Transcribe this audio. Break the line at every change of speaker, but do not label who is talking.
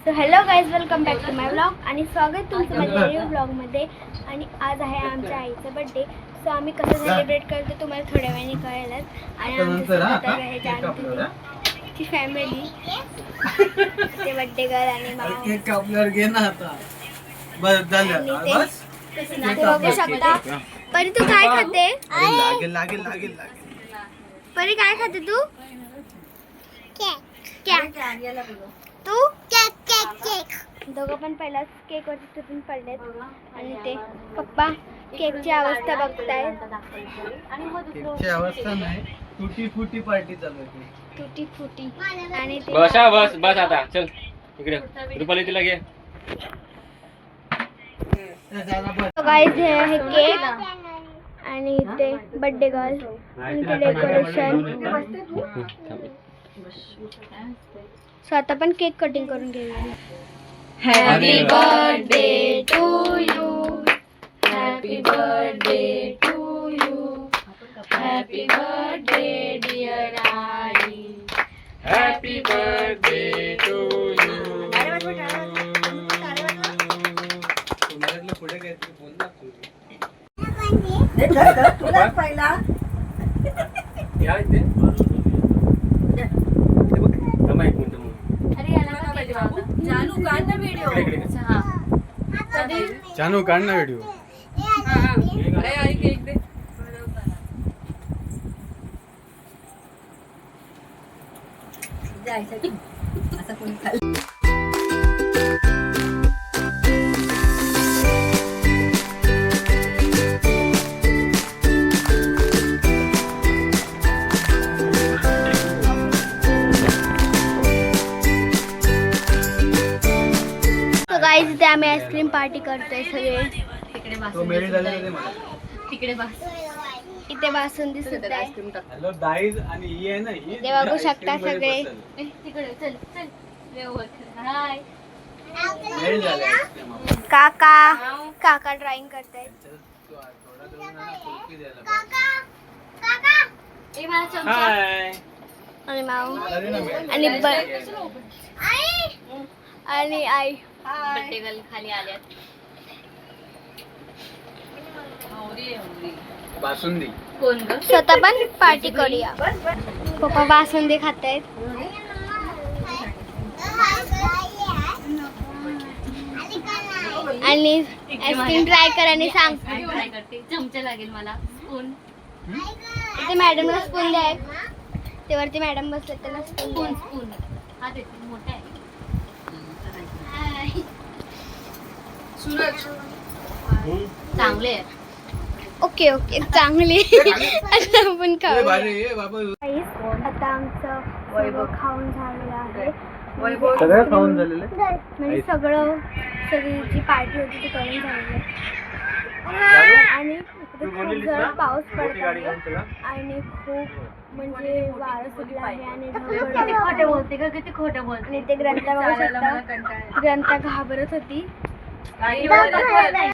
So hello guys, welcome back to my blog आणि स्वागत तुमचं माझ्या न्यू ब्लॉगमध्ये. आणि आज आहे आमच्या आईचा बर्थडे. सो आम्ही कसं सेलिब्रेट करतो तुम्हाला थोड्या वेळाने कळेलच. आणि आमची फॅमिली ते बर्थडे गर्ल आणि मामा ते बघू शकता. परी तू काय खाते? परी काय खाते तू? तू दोघं पण पहिलाच केक वरती तुटून पडलेत आणि ते पप्पा केकची अवस्था बघतायत.
केकची अवस्था नाही, तुटी फुटी पार्टी चालू आहे.
तुटी फुटी आणि ते
बस आता चल इकडे रुपाली तिला घे.
गाईज हे आहे केक आणि ते बर्थडे गर्ल आणि ते डेकोरेशन. सो आता पण केक कटिंग करून घेऊया. Happy birthday to you, happy birthday to you, happy birthday dear आई,
हॅपी बर्थडे टू यू.
पुढे काहीतरी बोल ना तू.
तुलाच पहिला
जानू काढ ना व्हिडिओ.
असं कोणी खाल्लं.
गाईज इथे आम्ही आईस्क्रीम पार्टी करतोय सगळे.
तिकडे बस.
इथे बासुंदी सुद्धा आहे.
हॅलो गाईज, आणि ही आहे ना, ही
ते बघू शकता सगळे.
तिकडे चल चल. हाय.
मेल झालं आईस्क्रीम आपण.
काका ड्रॉइंग करतायत.
ए मला चमचा.
हाय.
आणि माऊ
अरे ना मेल.
आणि आई
बर्थडे गर्ल खाली आल्यात.
बासुंदी.
कोण ग?
स्वतः पण पार्टी करूया. पप्पा बासुंदी खातायत. आणि आईस्क्रीम ट्राय कर आणि सांग.
ट्राय करते. चमचा लागेल मला. स्पून.
इथे मॅडमला स्पून द्या. ते वरती मॅडम बसले त्याला स्पून
स्पून स्पून. हा देते. मोठा आहे. चांगले आहे.
ओके ओके चांगली. आता आपण खाऊ. आता आमचं वैभव खाऊन झालेलं आहे.
सगळं खाऊन झालेलं आहे?
म्हणजे सगळी जी पार्टी होती ती करून झालेली आहे. आणि इकडे खूप जण पाऊस पडत आहे आणि खूप म्हणजे वारं सुटलं आहे आणि
किती खोटं बोलते का? किती खोटं बोलते.
आणि ते ग्रंथा बघू शकता. ग्रंथा घाबरत होती.